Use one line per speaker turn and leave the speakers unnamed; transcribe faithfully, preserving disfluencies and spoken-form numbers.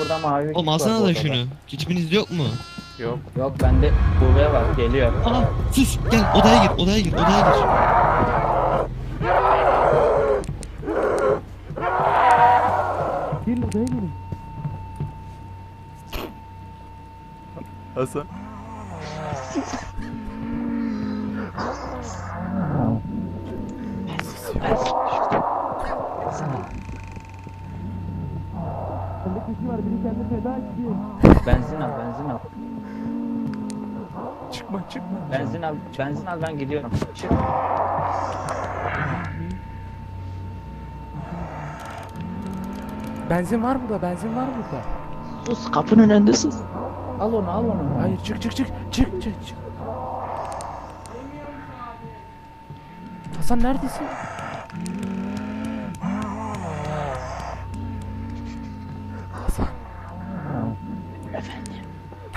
orada mavi
Oğlum
var
alsana
bu
da
odada.
şunu. Kitiminiz yok mu?
Yok.
Yok bende buraya bak geliyor.
Aa sus gel odaya gir odaya gir odaya gir. Gelin odaya gelin.
Hasan.
Bende kişi var biri kendini feda etti.
Benzin al benzin al.
Çıkma çıkma.
Benzin al benzin al ben gidiyorum. Çık.
Benzin var burada, benzin var burada.
Sus kapının önünde sus. Al onu al onu.
Hayır çık çık çık çık çık çık. Hasan neredesin? Hasan.
Efendim.